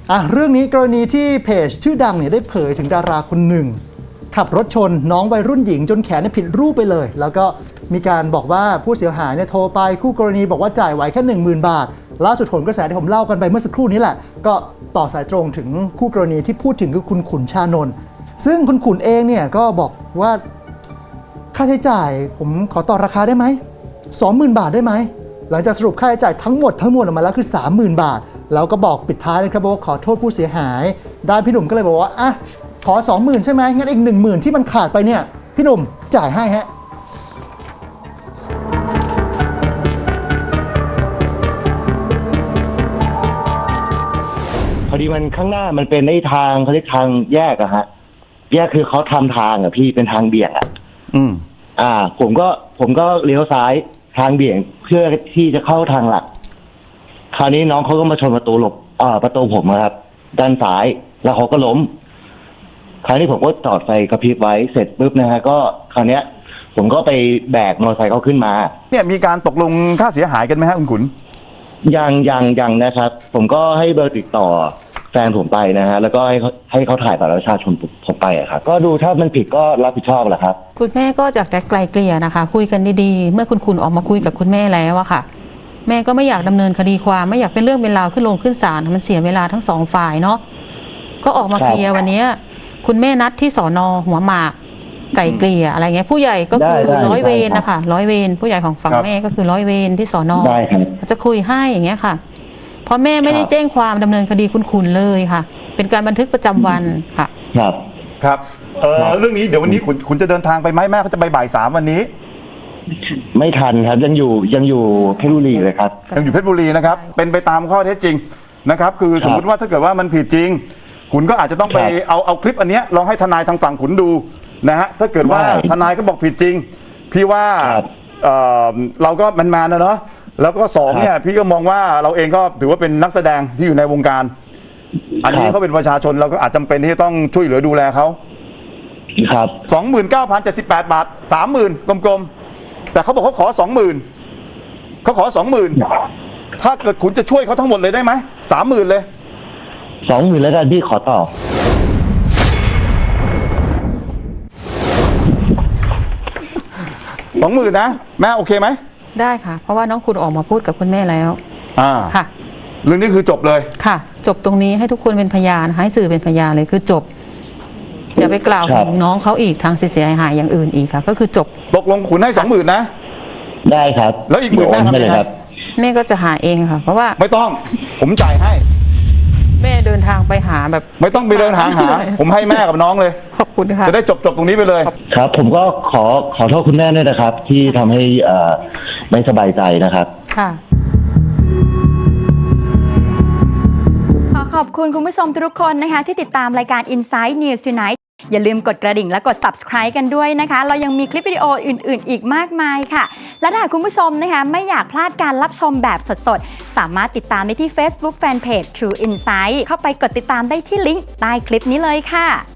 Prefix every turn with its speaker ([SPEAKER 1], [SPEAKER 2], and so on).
[SPEAKER 1] เรื่องนี้กรณีที่เพจชื่อดังเนี่ยได้เผยถึงดาราคนหนึ่งขับรถชนน้องวัยรุ่นหญิงจนแขนผิดรูปไปเลยแล้วก็มีการบอกว่าผู้เสียหายเนี่ยโทรไปคู่กรณีบอกว่าจ่ายไหวแค่ 10,000 บาทล่าสุดผลกระแสที่ผมเล่ากันไปเมื่อสักครู่นี้แหละก็ต่อสายตรงถึงคู่กรณีที่พูดถึงคือคุณขุนชานนท์ซึ่งคุณขุนเองเนี่ยก็บอกว่าค่าใช้จ่ายผมขอต่อราคาได้ไหม 20,000 บาทได้ไหมหลังจากสรุปค่าใช้จ่ายทั้งหมดออกมาแล้วคือ 30,000 บาทแล้วก็บอกปิดท้ายนะครับว่าขอโทษผู้เสียหายด้านพี่หนุ่มก็เลยบอกว่าขอ 20,000 ใช่ไหมงั้นอีก 10,000 ที่มันขาดไปเนี่ยพี่หนุ่มจ่ายให้ฮะ
[SPEAKER 2] พอดีมันข้างหน้ามันเป็นในทางเขาเรียกทางแยกอะฮะแยกคือเขาทำทางอะพี่เป็นทางเบี่ยงอะผมก็เลี้ยวซ้ายทางเบี่ยงเพื่อที่จะเข้าทางหลักคราวนี้น้องเขาก็มาชนประตูผมครับด้านซ้ายแล้วเขาก็ล้มคราวนี้ผมก็จอดไฟกระพริบไว้เสร็จปุ๊บนะฮะก็คราวเนี้ยผมก็ไปแบกมอเตอร์ไซค์เขาขึ้นมา
[SPEAKER 3] เนี่ยมีการตกลงค่าเสียหายกันไหมฮะคุณขุน
[SPEAKER 2] ยังนะครับผมก็ให้เบอร์ติดต่อแฟนผมไปนะฮะแล้วก็ให้เขาถ่ายบัตรประชาชนผมไปอะครับก็ดูถ้ามันผิดก็รับผิดชอบแหละครับ
[SPEAKER 4] คุณแม่ก็อยากจะไกลเกลี่ยนะคะคุยกันดีๆเมื่อคุณขุนออกมาคุยกับคุณแม่แล้วอะค่ะแม่ก็ไม่อยากดำเนินคดีความไม่อยากเป็นเรื่องเป็นราวขึ้นศาลมันเสียเวลาทั้งสองฝ่ายเนาะก็ออกมาเคลียร์วันนี้คุณแม่นัดที่สน.หัวหมากไกลเกลี่ยอะไรเงี้ยผู้ใหญ่ก็คือร้อยเวรนะคะร้อยเวรผู้ใหญ่ของฝั่งแม่ก็คือร้อยเวรที่สน.จะคุยให้อย่างเงี้ยค่ะเพราะแม่ไม่ได้แจ้งความดำเนินคดีคุณขุนเลยค่ะเป็นการบันทึกประจำวันค่ะ
[SPEAKER 3] ครับเรื่องนี้เดี๋ยววันนี้คุณจะเดินทางไปไหมแม่เขาจะไปบ่าย 3วันนี้
[SPEAKER 2] ไม่ทันครับยังอยู่เพชรบุรีเลยครับ
[SPEAKER 3] ยังอยู่เพชรบุรีนะครับเป็นไปตามข้อเท็จจริงนะครับคือสมมติว่าถ้าเกิดว่ามันผิดจริงขุนก็อาจจะต้องไปเอาคลิปอันนี้ลองให้ทนายทางฝั่งขุนดูนะฮะถ้าเกิดว่าทนายก็บอกผิดจริงพี่ว่าเราก็มันมานะเนาะแล้วก็2เนี่ยพี่ก็มองว่าเราเองก็ถือว่าเป็นนักแสดงที่อยู่ในวงการอันนี้เขาเป็นประชาชนเราก็อาจจำเป็นที่จะต้องช่วยเหลือดูแลเขา
[SPEAKER 2] ครับ
[SPEAKER 3] 29,078 บาท 30,000 กลมๆแต่เขาบอกเขาขอ 20,000เขาขอ 20,000ถ้าเกิดขุนจะช่วยเขาทั้งหมดเลยได้ไหม 30,000เลย
[SPEAKER 2] 20,000แล้วกันพี่ขอต่อ
[SPEAKER 3] 20,000นะแม่โอเคไหม
[SPEAKER 4] ได้ค่ะเพราะว่าน้องขุนออกมาพูดกับคุณแม่แล้วค่ะ
[SPEAKER 3] เรื่องนี้คือจบเลย
[SPEAKER 4] ค่ะจบตรงนี้ให้ทุกคนเป็นพยานให้สื่อเป็นพยานเลยคือจบอย่าไปกล่าวถึงน้องเขาอีกทางเสียหายอย่างอื่นอีกค่ะก็คือจบ
[SPEAKER 3] ตกลงขุนให้ 20,000นะ
[SPEAKER 2] ได้ครับ
[SPEAKER 3] แล้วอีก10,000แม่ทำไงครับ
[SPEAKER 4] แม่ก็จะหาเองค่ะเพราะว่า
[SPEAKER 3] ไม่ต้องผมจ่ายให้
[SPEAKER 4] แม่เดินทางไปหาแบบ
[SPEAKER 3] ไม่ต้องไปเดินหาผมให้แม่กับน้องเลย
[SPEAKER 4] ขอบคุณค่ะ
[SPEAKER 3] จะได้จบตรงนี้ไปเลย
[SPEAKER 2] ครับผมก็ขอโทษคุณแม่ด้วยนะครับที่ทำให้ไม่สบายใจนะครับ
[SPEAKER 4] ค่ะ
[SPEAKER 5] ขอบคุณคุณผู้ชมทุกคนนะคะที่ติดตามรายการ Inside News Tonight อย่าลืมกดกระดิ่งและกด Subscribe กันด้วยนะคะเรายังมีคลิปวิดีโออื่นๆอีกมากมายค่ะและถ้าคุณผู้ชมนะคะไม่อยากพลาดการรับชมแบบสดๆสามารถติดตามได้ที่ Facebook Fanpage True Insight เข้าไปกดติดตามได้ที่ลิงก์ใต้คลิปนี้เลยค่ะ